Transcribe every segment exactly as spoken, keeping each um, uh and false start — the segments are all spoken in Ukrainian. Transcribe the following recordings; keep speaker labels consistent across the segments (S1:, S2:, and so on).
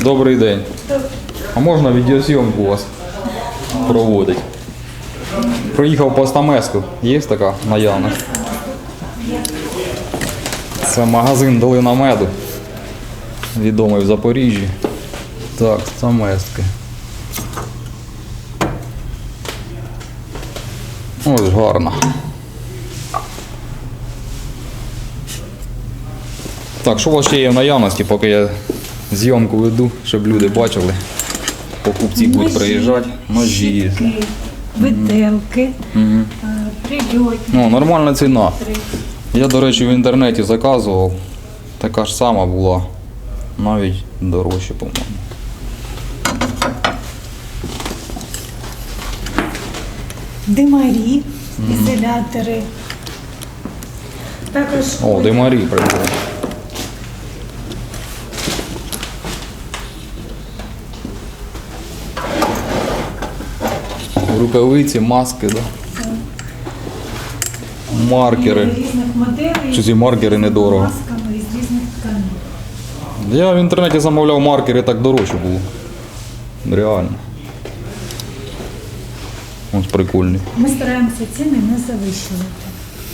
S1: Добрий день. А можна відеозйомку у вас проводити? Приїхав по Стамеску. Є така наявність? Це магазин Долина Меду. Відомий в Запоріжжі. Так, Стамески. Ось гарно. Так, що у вас ще є в наявності, поки я зйомку веду, щоб люди бачили. Покупці будуть приїжджати. Ножі.
S2: Виделки,
S1: Угу.
S2: прильотні.
S1: Ну, нормальна ціна. Я, до речі, в інтернеті заказував. Така ж сама була. Навіть дорожче, по-моєму.
S2: Димарі, ізолятори. Також
S1: О, димарі прикольно. Рукавиці, маски, да? Маркери.
S2: різних моделей.
S1: Чи ці маркери недорого?
S2: Масками із різних тканин.
S1: Я в інтернеті замовляв маркери, так дорожче було. Реально. Ось прикольні.
S2: Ми стараємося ціни не завищувати.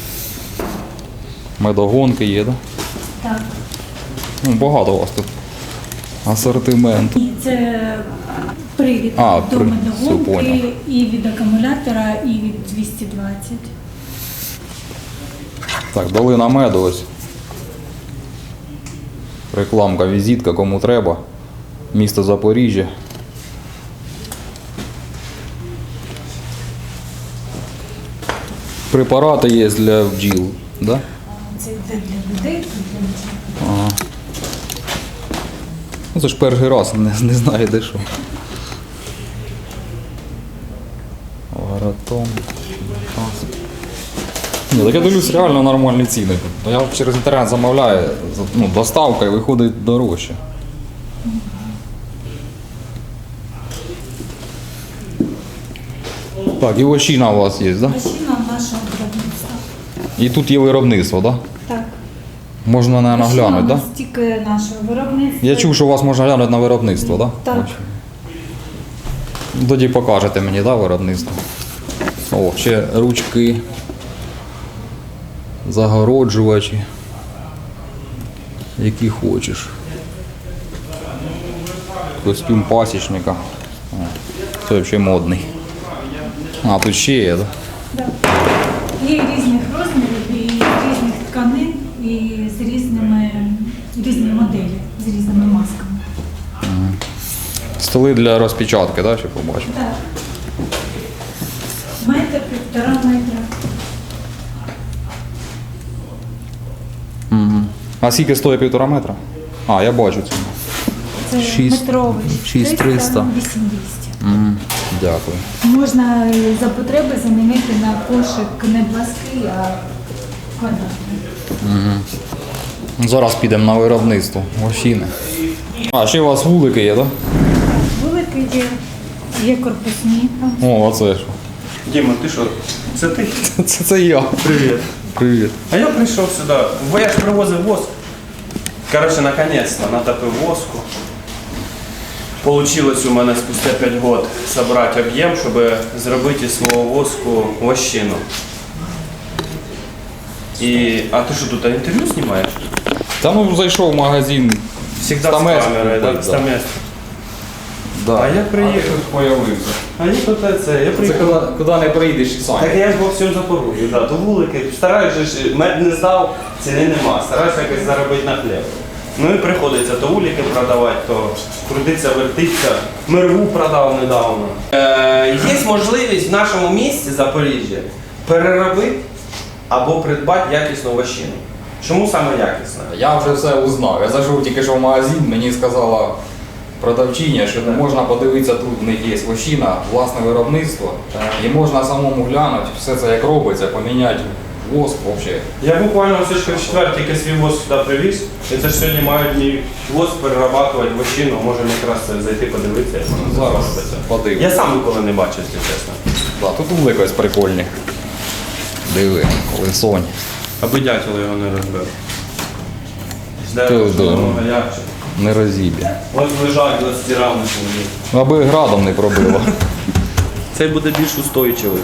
S1: Медогонки є, да?
S2: Так.
S1: Ну, багато у вас тут асортименту.
S2: І це привід
S1: А,
S2: до
S1: при- все, понял.
S2: медогонки і від акумулятора, і від двісті двадцять.
S1: Так, Долина Меду ось. Рекламка, візитка, кому треба. Місто Запоріжжя. Препарати є для бджіл, да?
S2: Це йде для людей, це для дітей.
S1: Ага. Ну, це ж перший раз, не, не знаю де що. Варатон. Ні, так я дивлюсь, реально нормальні ціни. Я через інтернет замовляю, ну, доставка і виходить дорожче. Так, і вощина у вас є, так? Да?
S2: Машина нашого виробництва.
S1: І тут є виробництво, так? Да?
S2: Так.
S1: Можна, мабуть,
S2: Машина
S1: глянути,
S2: у
S1: так?
S2: нас
S1: Да?
S2: тільки нашого виробництва.
S1: Я чув, що у вас можна глянути на виробництво, так? Да?
S2: Так.
S1: Ось. Тоді покажете мені, да, виробництво. О, ще ручки, загороджувачі, які хочеш. Костюм пасічника. О, це взагалі модний. А, тут ще є, так?
S2: Да. Є різних розмірів, і різних тканин, і з різними різні моделі, з різними масками.
S1: Столи для розпечатки, так, ще побачимо.
S2: Так. Метр, півтора метра.
S1: Угу. А скільки стоїть півтора метра? А, я бачу це.
S2: Це
S1: Шість-
S2: метровий.
S1: шість триста.
S2: вісім двісті.
S1: Угу. Дякую.
S2: Можна за потреби замінити на кошик не плаский, а квадратний.
S1: Зараз підемо на виробництво. Вощини. А, ще у вас вулики є, так?
S2: Великий є, є корпусні.
S1: О, оце що.
S3: Діма, ти що? Це ти?
S1: Це, це я.
S3: Привіт.
S1: Привіт.
S3: А я прийшов сюди. Бо я ж привозив воск. Коротше, наконець-то натопив воску. Получилось у мене спустя п'ять років зібрати об'єм, щоб зробити із свого воску вощину. І... А ти що тут інтерв'ю знімаєш?
S1: Та ну зайшов в магазин.
S3: Всегда
S1: Стамеску
S3: з камерою,
S1: купив,
S3: так?
S1: да.
S3: Стамеску.
S1: Да.
S3: А я приїхав.
S1: А тут появився.
S3: А я тут це, я
S1: Це
S3: приїхав.
S1: куди, куди не прийдеш сам.
S3: Так я ж по всьому Запоріжжю, да, то вулики. Стараюся ж, мед не здав, ціни нема. Стараюся якось заробити на хліб. Ну і приходиться то вулики продавати, то крутиться, вертиться. Мирву продав недавно. Е, є можливість в нашому місті Запоріжжя переробити або придбати якісну вощину. Чому саме якісна?
S1: Я вже все узнав. Я зайшов тільки що в магазин, мені сказала продавчиня, що можна подивитися, тут в них є вощина, власне виробництво. І можна самому глянути, все це як робиться, поміняти воск взагалі.
S3: Я буквально все ж в четвер тільки свій воск сюди привіз. І це ж сьогодні мають мій воск перерабатувати вощину. Можемо якраз це зайти подивитися, як воно
S1: Зараз
S3: робиться.
S1: подивимось.
S3: Я сам ніколи не бачив, якщо чесно.
S1: Да, тут вулики ось прикольні. Диви, лисонь.
S3: Аби дятел його не розбив. З
S1: Та,
S3: дерева
S1: да.
S3: шумного гаряче.
S1: не розіб'є.
S3: Ось лежать, ось стирав на сьогодні.
S1: Аби градом не пробило.
S3: Цей буде більш устойчивий.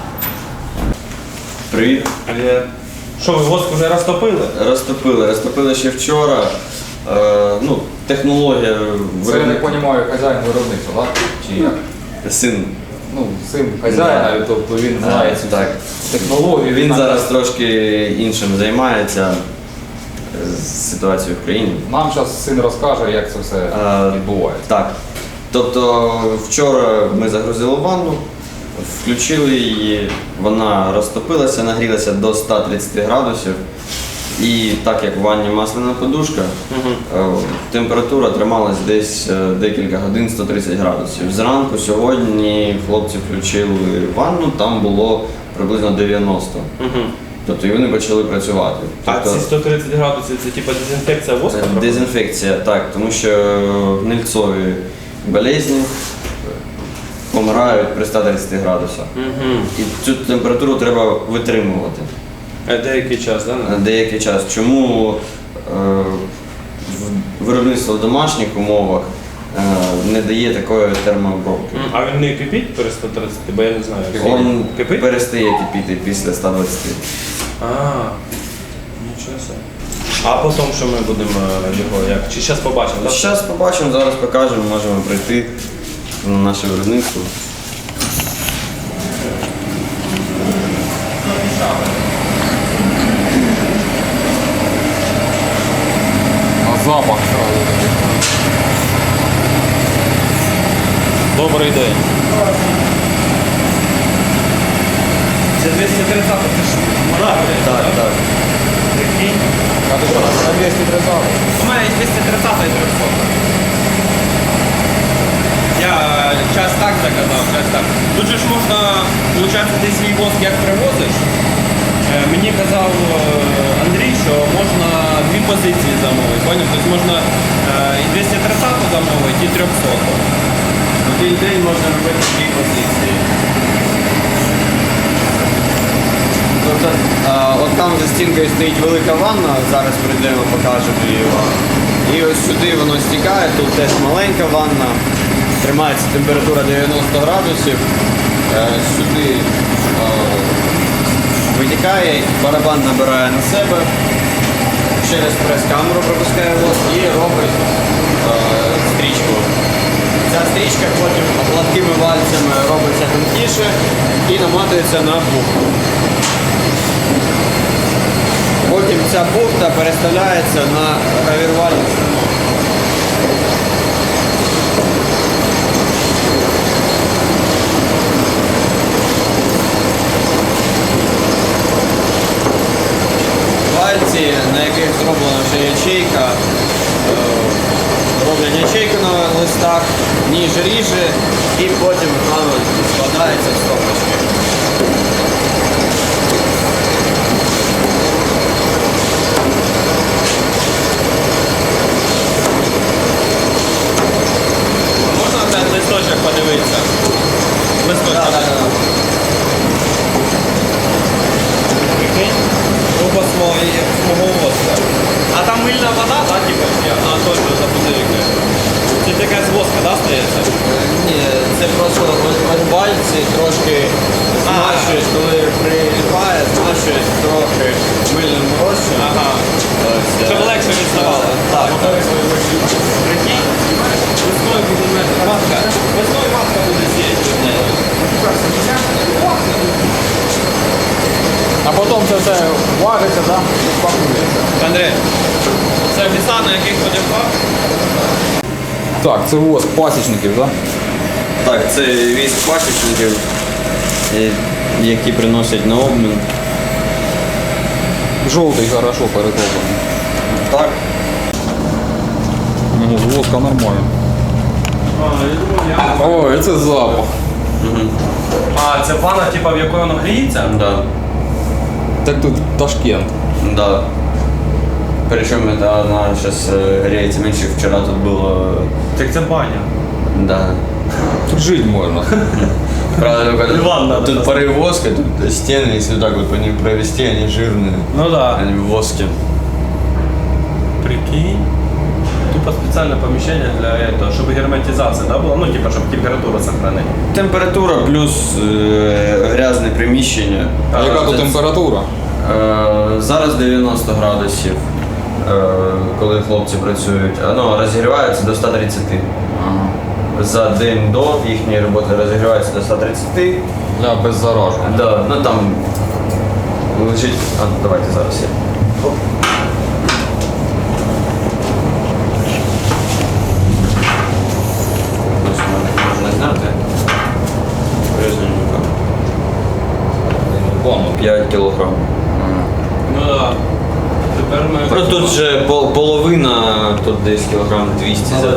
S4: Привіт.
S3: Але що, ви воск вже розтопили?
S4: Розтопили. Розтопили ще вчора. Е, ну, технологія
S1: Це я не
S4: виробника.
S1: розумію, хазяїн виробництва, так? Чи як?
S4: Син.
S1: Ну, син хазяїна, тобто він знає цю
S4: Так.
S1: технологію.
S4: Він
S1: знає.
S4: зараз трошки іншим займається з ситуацією в країні.
S1: Нам зараз син розкаже, як це все
S4: Е,
S1: відбувається.
S4: Так. Тобто вчора ми загрузили ванну, включили її, вона розтопилася, нагрілася до ста тридцяти градусів. І так як в ванні масляна подушка, е, температура трималась десь е, декілька годин сто тридцять градусів. Зранку сьогодні хлопці включили ванну, там було приблизно дев'яносто.
S3: Угу.
S4: Тобто і вони почали працювати.
S3: А
S4: Тобто,
S3: ці сто тридцять градусів це типа дезінфекція воску?
S4: е, дезінфекція, так, тому що гнильцові болезні помирають при ста тридцяти градусах.
S3: Угу.
S4: І цю температуру треба витримувати.
S3: А деякий час, так?
S4: на деякий час. Чому е, в- виробництво в домашніх умовах е, не дає такої термообробки?
S3: А він не кипить при сто тридцять, бо я не знаю.
S4: Він
S3: Кипить?
S4: перестає кипіти після ста двадцяти.
S3: А, нічого собі. А потім що ми будемо е, його як? Чи зараз побачимо? так?
S4: Зараз побачимо, зараз покажемо, можемо прийти на наше виробництво.
S1: На запах сразу.
S3: Добрий день. Це двісті тридцять, це ж вода,
S4: Так, так.
S3: Прикинь.
S1: А ти що, на двісті тридцять?
S3: У мене є двісті тридцять і триста. Я час так заказав, час так. Тут же ж можна, виходить, ти свій воск як привозиш. Е, Мені казав е, Андрій, що можна дві позиції замовити, поняв? Тобто можна е, і двісті тридцять замовити, і триста. Один день можна робити дві позиції.
S4: Тобто, а, от там за стінкою стоїть велика ванна, зараз прийдемо, покажемо її вам. І ось сюди воно стікає, тут теж маленька ванна, тримається температура дев'яносто градусів. Е, Сюди е, витікає, барабан набирає на себе, через прес-камеру пропускає воск і робить е, стрічку. Ця стрічка потім гладкими вальцями робиться тонкіше і наматується на бухту. Потім ця бухта переставляється на гравірувальну станок. Вальці, на яких зроблена вже ячейка, е, роблять ячейку на листах, ніж ріже і потім воно складається в стопочки.
S3: Можна на цей листочок подивитися? Листочок.
S4: Да, да, да.
S3: Прикинь? Оба свого свого воска. А там мильна вода, так, типа? А, точно, запозивки. Це така з воска, да, стається?
S4: Ні, це просто ось ось пальці трошки змащуєш, коли приліпає, змащуєш трохи мильним розчином.
S3: Ага.
S4: Ось, е,
S3: Щоб легше відставало.
S4: Так, так.
S3: Прикинь? Весною буде метр. Матка. Весною матка буде сіяти.
S1: А потім це все важиться, да? і пакується.
S3: Андрій, це віса, на яких ходив пак?
S1: Так, це воск пасічників, так?
S4: Так, це віск пасічників, е, які приносять на обмін.
S1: Жовтий хорошо перетоплений.
S4: Так.
S1: Ну, з воска нормально.
S3: А, я думав, я...
S1: Ой, це запах.
S3: А, це ванна, типа, в якої воно гріється?
S4: Да.
S1: Так тут Ташкент.
S4: Да. Причем это она сейчас греется меньше. Вчера тут было...
S3: Так це баня.
S4: Да.
S1: Тут жити можна.
S4: Правда, только тут,
S3: Ливан надо
S4: тут порыв воска, тут стены, если вот так вот по ним провести, они жирные.
S3: Ну да.
S4: Они в воске.
S3: Прикинь. Тут типа специальное помещение для этого, чтобы герметизация, да, была? Ну, типа, чтобы температуру сохранить.
S4: Температура плюс е, грязне приміщення.
S1: А яка тут
S4: Це-
S1: температура?
S4: Е, Зараз дев'яносто градусів, е, коли хлопці працюють. А, Ну, розігрівається до ста тридцяти.
S1: Ага.
S4: За день до їхньої роботи розігрівається до ста тридцяти.
S1: Для беззараження.
S4: Да, ну там лежить. А, ну, давайте зараз я. Оп. Ось можна зняти. Різненько.
S1: Вон.
S4: п'ять кілограм.
S3: Ну да. Тепер ми...
S4: Ну тут же пол- половина, тут десь кілограм двісті, за-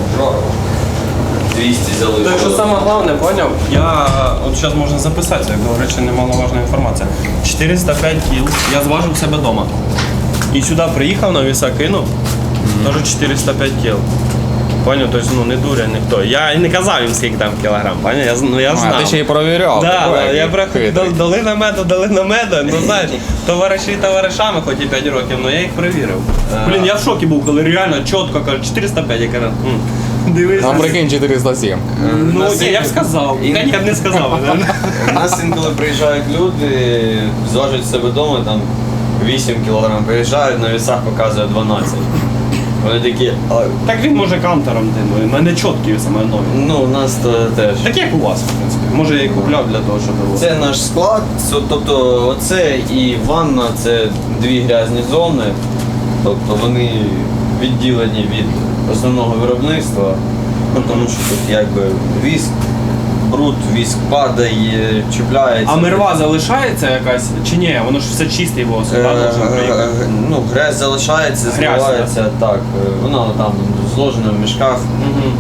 S4: двісті залишилось.
S3: Так що саме головне, поняв, я от зараз можна записати, як до речі, немаловажна інформація. чотириста п'ять кіл, я зважив себе вдома. І сюди приїхав, на віса кинув, теж чотириста п'ять кіл. Поняв, тобто, ну не дуря ніхто. Я і не казав їм, скільки там кілограм, поняв, я, з- ну, я знав.
S1: А, ти ще й провіряв.
S3: Да,
S1: такой,
S3: да, я
S1: який
S3: приходив,
S1: хитрий.
S3: дали на меду, дали на меду, ну знаєш, товариші товаришами, хоч і п'ять років, але я їх перевірив. Блін, я в шокі був, коли реально чітко кажуть, чотириста п'ять, я кажу, «М, дивись.
S1: Там прикинь чотириста сім.
S3: Ну,
S4: Нас
S3: ні, я б
S4: інколи-
S3: сказав.
S4: ін-
S3: Я б не сказав.
S4: У нас інколи приїжджають люди, зважують себе вдома, там вісім кілограм, приїжджають, на вісах показує дванадцять. Вони такі, а,
S3: Так він може кантером тим, у мене чіткі саме нові.
S4: ну у нас то теж.
S3: Так як у вас, в принципі. Може я і купляв для того, щоб було.
S4: Це наш склад, це- тобто оце і ванна це дві грязні зони, тобто вони відділені від основного виробництва, ну, тому що тут якби віск, бруд, віск падає, чіпляється.
S3: А мерва залишається якась чи ні? Воно ж все чисте воск,
S4: Е,
S3: так? Должен
S4: е,
S3: приїхати.
S4: е, Ну, грязь залишається,
S3: Грязь,
S4: зливається, так. е, Вона там зложена в мішках.
S3: Мгм.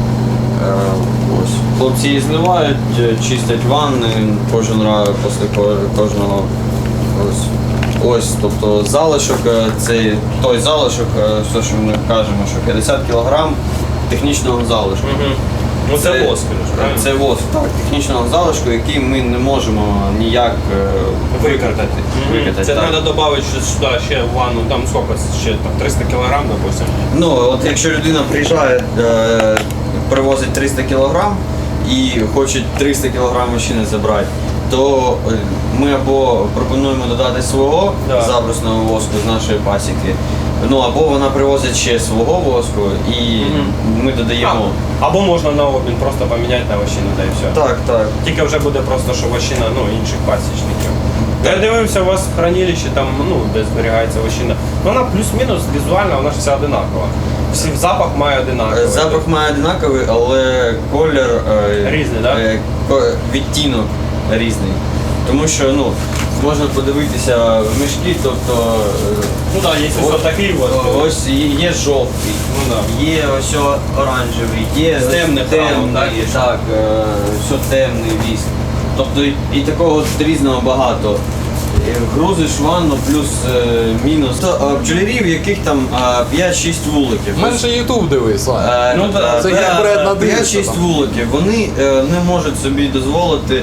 S4: Е, Ось. Хлопці її зливають, е, чистять ванни кожен раз після ко- кожного. Ось. Ось, тобто залишок, е, це той залишок, е, все, що ми кажемо, що п'ятдесят кілограм технічного залишку.
S3: Мгм. Ну це воск, ж, правильно?
S4: Це воск, так, технічного залишку, який ми не можемо ніяк е,
S3: Викатати.
S4: викатати,
S3: Це
S4: так.
S3: треба додати ще сюди ще в ванну, там скільки ще там триста кілограм, допустим.
S4: Ну, от якщо людина приїжджає, е, привозить триста кілограм і хоче триста кілограм машини забрати, то е, ми або пропонуємо додати свого
S3: Да.
S4: забрусного воску з нашої пасіки, ну або вона привозить ще свого воску і
S3: Мгм.
S4: ми додаємо.
S3: А, або можна на обмін просто поміняти на вощину, та і все.
S4: Так, так.
S3: Тільки вже буде просто, що вощина, ну, інших пасічників. Я дивився, у вас в хранилищі, там, ну, де зберігається вощина. Ну, вона плюс-мінус візуально, вона ж вся одинакова. Всі запах має одинаковий.
S4: Е, Запах має одинаковий, але колір е,
S3: Різний, да?
S4: е, ко- відтінок різний. Тому що ну, можна подивитися в мішки, тобто е,
S3: Ну так, да, є ось такий от.
S4: ось є є жовтий,
S3: Ну да.
S4: є ось оранжевий, є
S3: З темних рамок,
S4: темний,
S3: так?
S4: так, е, все темний віск. Тобто і, і такого от різного багато. Е, Грузиш ванну плюс е, мінус. То, е, бджолярів, в яких там е, п'ять-шість вуликів.
S1: Менше Ютуб дивись, Саня.
S4: Е,
S3: Ну, да,
S1: це як бред на дивиться
S4: п'ять-шість
S1: там.
S4: вуликів. Вони е, не можуть собі дозволити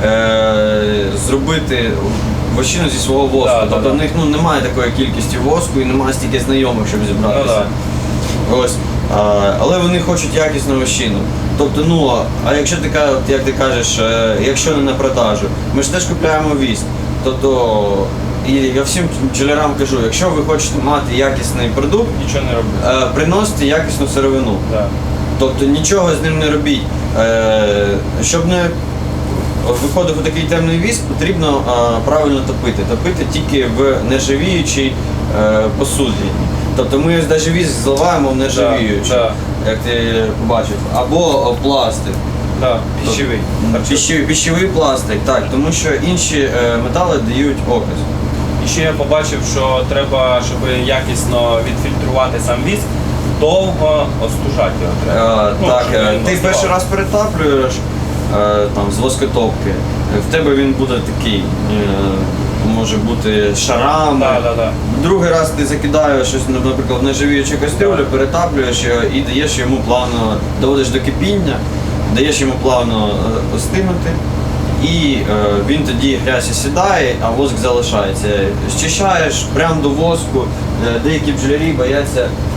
S4: е, зробити вощину зі свого воску.
S3: Да, да,
S4: тобто
S3: да.
S4: в них ну, немає такої кількості воску і немає стільки знайомих, щоб зібратися.
S3: Ну,
S4: Ось. А, але вони хочуть якісну вощину. Тобто, ну, а якщо ти ка- от як ти кажеш, е, якщо не на продажу, ми ж теж купляємо віск. Тобто, і я всім бджолярам кажу, якщо ви хочете мати якісний продукт,
S3: Нічого не роблю.
S4: е, приносите якісну сировину.
S3: Да.
S4: Тобто нічого з ним не робіть. Е, щоб не виходив такий темний віск, потрібно е, правильно топити. Топити тільки в нержавіючій е, посуді. Тобто ми ось навіть віск зливаємо в нержавіючу,
S3: Да,
S4: як ти побачив, або о, пластик.
S3: Да, пищевий.
S4: Піщовий, піщовий пластик, так, тому що інші е, метали дають окис.
S3: І ще я побачив, що треба, щоб якісно відфільтрувати сам віск, довго остужати його треба.
S4: Е,
S3: Ну,
S4: так,
S3: щоб
S4: е,
S3: він
S4: ти
S3: остивав.
S4: перший раз перетаплюєш е, там, з воскотопки, в тебе він буде такий, е, може бути шарами.
S3: Да, да, да.
S4: Другий раз ти закидаєш щось, наприклад, в нержавіючу кастрюлю, перетаплюєш його і даєш йому плавно, доводиш до кипіння, даєш йому плавно е, остинути. І е, він тоді грязь сідає, а воск залишається. Щищаєш прямо до воску. Е, деякі бджолярі бояться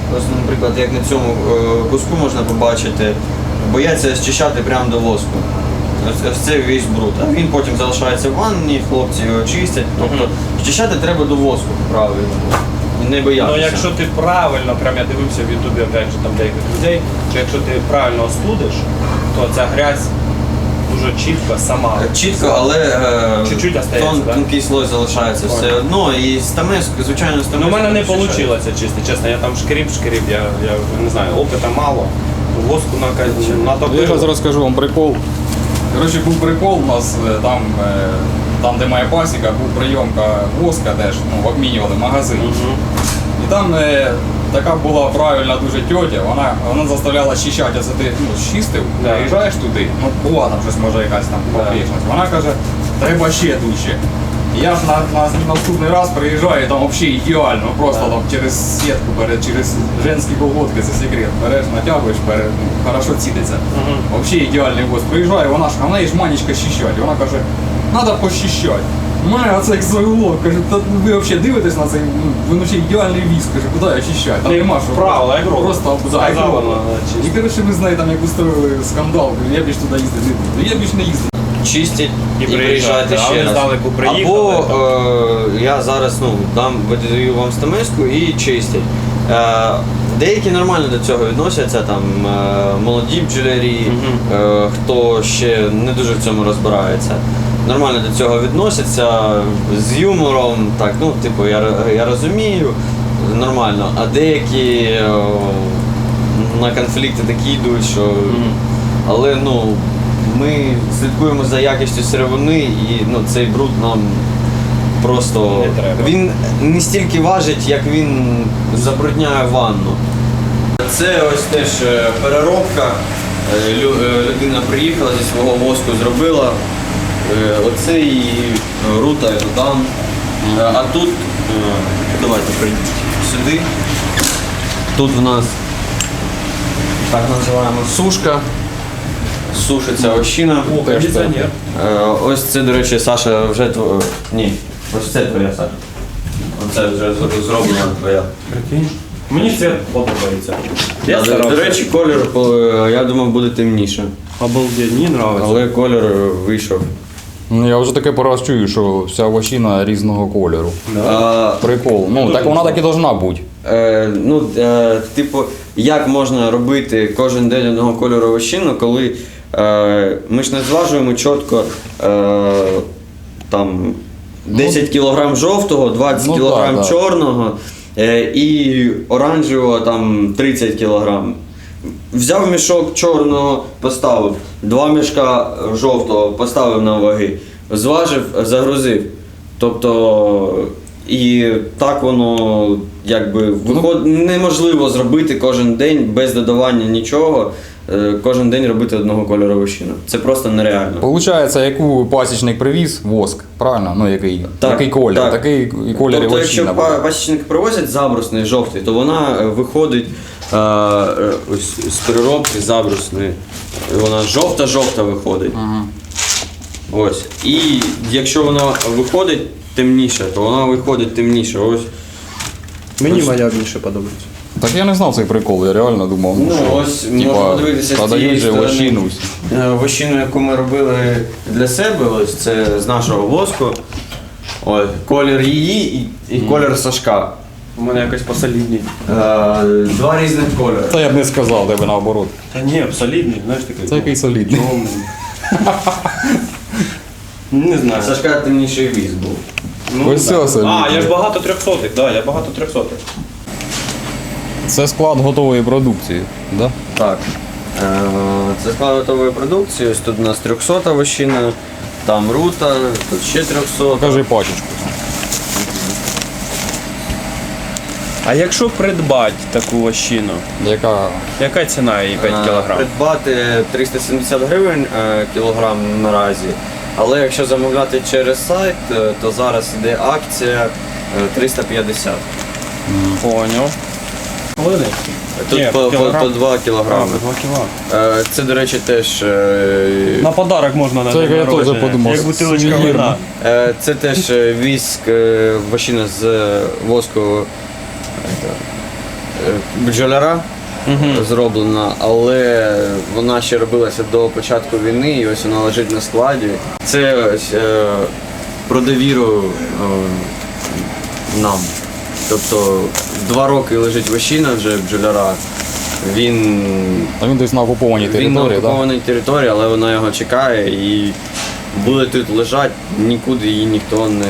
S4: ось, наприклад, як на цьому е, куску можна побачити, бояться зчищати прямо до воску. Ось, ось це весь бруд. А він потім залишається в ванні, хлопці його чистять. Тобто зчищати треба до воску, правильно. І не боятися.
S3: Ну якщо ти правильно, прям я дивився в Ютубі опять же там деяких людей, що якщо ти правильно остудиш, то ця грязь дуже чітко сама.
S4: Чітко, але е,
S3: Чуть-чуть остається,
S4: тон,
S3: да?
S4: тонкий слой залишається
S3: Ой.
S4: все одно. І стамеску, звичайно, стамеску.
S3: Ну, у мене не
S4: очищається.
S3: вийшло чисто, чесно, я там шкріп-шкріп, я, я не знаю, опита мало, воску на
S1: Я
S3: натопив.
S1: зараз розкажу вам прикол. Коротше, був прикол у нас е, там, е, там де моя пасіка, був прийомка воска теж, ну, обмінювали магазин.
S3: Мгм.
S1: І там е, така була правильна дуже тьотя, вона, вона заставляла щищати, це ти ну, чистив,
S3: Да.
S1: приїжджаєш туди, ну була там щось може якась там
S3: Да.
S1: погрішність. Вона каже, треба ще дужче. І я ж на, на наступний раз приїжджаю, там взагалі ідеально, просто
S3: Да.
S1: там через сітку, бере, через женські колготки, це секрет, береш, натягуєш, бере, ну, хорошо цідиться.
S3: Мгм.
S1: Взагалі ідеальний гость. Приїжджає, вона ж, а в неї ж манічка щищать. Вона каже, треба пощищати. Мене оце як завело, каже, та ви взагалі дивитесь на цей, ну, ви ще ідеальний віск, каже, куди я щищаю? Там
S3: Ну,
S1: нема що.
S3: правила, як робить.
S1: Просто
S3: Сказала
S1: як робить.
S3: вона, чисто.
S1: І коротше ми з нею там як устроїли скандал, кажу, я більш туди їздити не буду. Я більш не їздив.
S4: Чистять і,
S3: І
S4: приїжджайте
S3: приїжджати, а
S4: ще
S3: вони
S4: раз.
S3: здалеку приїхали,
S4: Або е, я зараз ну, дам, видаю вам стамеску і чистять. Е, деякі нормально до цього відносяться, там е, молоді бджолярі,
S3: Мгм.
S4: е, хто ще не дуже в цьому розбирається. Нормально до цього відносяться з юмором, так, ну, типу, я, я розумію, нормально, а деякі е, на конфлікти такі йдуть, що. Але ну, ми слідкуємо за якістю сировини і ну, цей бруд нам просто.
S3: Не треба.
S4: Він не стільки важить, як він забрудняє ванну. Це ось теж е, переробка. Е, лю- е, Людина приїхала зі свого воску, зробила. Е, Оце і рута і додам. Е, А тут, е, давайте прийдіть сюди. Тут в нас так називаємо сушка. Сушиться овщина.
S3: О, кондиціонер.
S4: Е, Ось це, до речі, Саша вже тво... Ні, ось це твоя, Саша. Оце вже з- зроблена твоя.
S3: Прикинь. Мені це подобається.
S4: Да,
S3: Я
S4: до,
S3: старався.
S4: до речі, колір, е, я думав, буде темніше.
S3: Обалдеть, мені подобається.
S4: Але колір е, вийшов.
S1: Ну я вже таке по раз чую, що вся овощина різного кольору.
S4: А,
S1: Прикол. Ну так вона так і должна бути.
S4: Е, ну, е, типу, як можна робити кожен день одного кольору овощину, коли е, ми ж не зважуємо чітко е, там десять кілограм жовтого, двадцять
S1: Ну,
S4: кілограм
S1: да, да.
S4: чорного е, і оранжевого там тридцять кілограм. Взяв мішок чорного, поставив, два мішка жовтого поставив на ваги, зважив, загрузив. Тобто, і так воно якби виход... неможливо зробити кожен день без додавання нічого, е, кожен день робити одного кольору овощину. Це просто нереально.
S1: Получається, яку пасічник привіз, воск, правильно? Ну який,
S4: Так,
S1: який колір,
S4: так.
S1: такий і колір
S4: Тобто, якщо
S1: овощина
S4: па-
S1: буде.
S4: пасічники привозять забрусний жовтий, то вона е, виходить е, е, ось з переробки забрусної. Вона жовта-жовта виходить.
S1: Ага.
S4: Ось. І якщо вона виходить темніше, то вона виходить темніше. Ось.
S3: Мені моя більше подобається.
S1: Так я не знав цей прикол, я реально думав, ну,
S4: Ну,
S1: що
S4: ось можна
S1: типа,
S4: подивитися з цієї
S1: продають же
S4: сторони.
S1: овощину.
S4: Е, Вощину, яку ми робили для себе, ось це з нашого воску. Ось, колір її і, і колір Сашка.
S3: У мене якось посолідній.
S4: Е, Два різних кольори.
S1: Та я б не сказав, тебе наоборот.
S3: Та ні, солідний, знаєш такий.
S1: Це який солідний.
S3: Темний. Не знаю.
S4: Сашка темніший віз був.
S3: Ну,
S1: Ось
S3: да.
S1: це солідний.
S3: А, я ж багато трьохсотих, да, я багато трьохсотих.
S1: Це склад готової продукції, да?
S4: Так. Е, Це склад готової продукції. Ось тут у нас трьохсота вощина, там рута, тут ще трьохсота.
S1: Покажи пачечку.
S3: А якщо придбати таку вощину,
S1: Яка
S3: яка ціна її п'ять
S4: Е,
S3: кілограм?
S4: Придбати триста сімдесят гривень е, кілограм наразі. Але якщо замовляти через сайт, е, то зараз іде акція е, триста п'ятдесят.
S3: Поняв. Половини?
S4: Тут
S3: Ні,
S4: по, по,
S3: кілограм.
S4: по два
S3: А,
S4: кілограми.
S3: по два кіла.
S4: Е, Це, до речі, теж. е,
S3: На подарок можна на
S1: Це
S3: день
S1: я теж
S3: народження,
S1: подумав,
S3: як бутилочка
S1: сувенірно.
S3: вина.
S4: Е, Це теж е, віск, е, вощина з е, воску. бджоляра зроблена, але вона ще робилася до початку війни, і ось вона лежить на складі. Це ось, е, про довіру е, нам. Тобто два роки лежить вощина вже бджоляра. Він,
S1: А він десь на окупованій
S4: він на
S1: території, так?
S4: окупованій території, але вона його чекає і буде тут лежати, нікуди її ніхто не,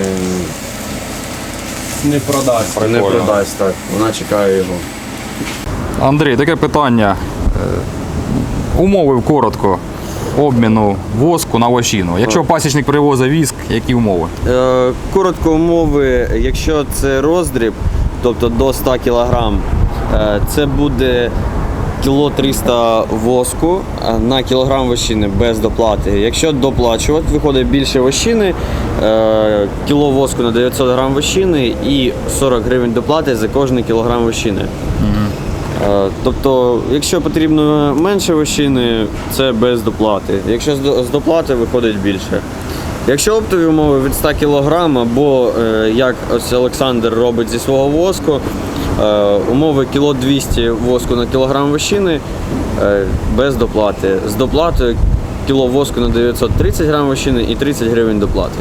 S3: Не продасть.
S4: не
S1: Прикольно.
S4: продасть. Так. Вона чекає його.
S1: Андрій, таке питання. Е, Умови коротко обміну воску на вощину. Якщо пасічник привозить віск, які умови?
S4: Е, Коротко умови, якщо це роздріб, тобто до ста кілограм, е, це буде кіло триста воску е, на кілограм вощини без доплати. Якщо доплачувати, виходить більше вощини, е, кіло воску на дев'ятсот грам вощини і сорок гривень доплати за кожний кілограм вощини. Е, Тобто, якщо потрібно менше вощини, це без доплати. Якщо з до- з доплати, виходить більше. Якщо оптові умови від ста кілограм, або е, як ось Олександр робить зі свого воску, е, умови кіло двісті воску на кілограм вощини е, без доплати. З доплатою кіло воску на дев'ятсот тридцять грам вощини і тридцять гривень доплати.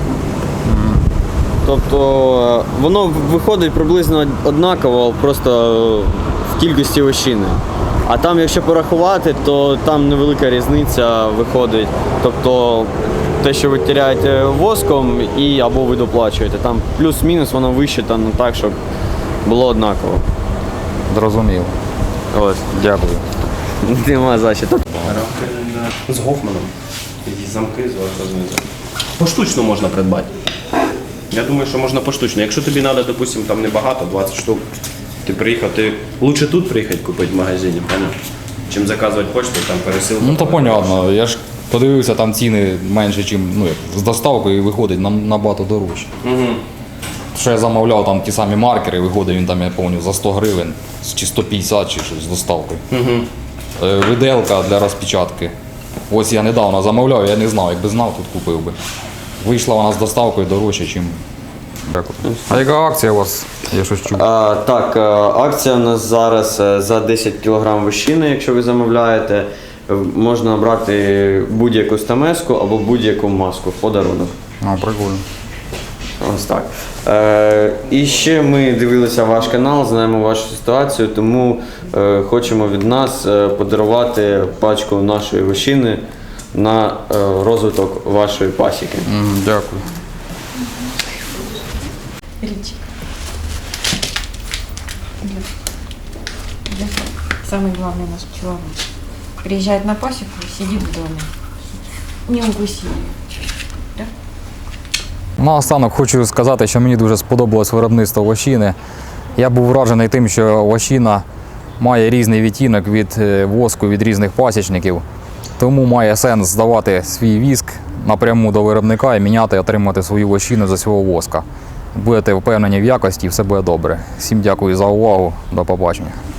S4: Тобто е, воно виходить приблизно однаково, просто в кількості вощини. А там, якщо порахувати, то там невелика різниця виходить. Тобто те, що ви теряєте воском і або ви доплачуєте. Там плюс-мінус воно вищитано так, щоб було однаково.
S1: Зрозуміло.
S4: Ось.
S1: Дякую.
S4: Нема за що.
S3: З Гофманом. Такі замки зверху знизу. Поштучно можна придбати. Я думаю, що можна поштучно. Якщо тобі треба, допустимо, там небагато, двадцять штук, ти приїхав, ти лучше тут приїхати купити в магазині, поняв? Чим заказувати почту, там пересилку.
S1: Ну то понятно. Я ж подивився, там ціни менше, ніж ну, як, з доставкою і виходить нам набагато дорожче.
S3: Угу.
S1: Що я замовляв там ті самі маркери, виходить він там, я пам'ятаю, за сто гривень, чи сто п'ятдесят, чи щось з доставкою.
S3: Угу.
S1: Е, Виделка для розпечатки. Ось я недавно замовляв, я не знав, якби знав, тут купив би. Вийшла вона з доставкою дорожче, ніж. Дякую. А яка акція у вас? Я щось чув.
S4: А, так, е, акція у нас зараз е, за десять кілограм вощини, якщо ви замовляєте, е, можна брати будь-яку стамеску або будь-яку маску в подарунок.
S1: А, прикольно.
S4: Ось так. Е, і ще ми дивилися ваш канал, знаємо вашу ситуацію, тому е, хочемо від нас е, подарувати пачку нашої вощини на е, розвиток вашої пасіки.
S1: М, Дякую.
S5: Ричик. Самый главный наш пчеловод. Приезжает на пасеку и сидит в доме. Не укуси. Да?
S1: Наостанок хочу сказати, що мені дуже сподобалось виробництво вощини. Я був вражений тим, що вощина має різний відтінок від е, воску від різних пасічників. Тому має сенс здавати свій віск напряму до виробника і міняти і отримати свою вощину за свого воска. Будете впевнені в якості і все буде добре. Всім дякую за увагу. До побачення.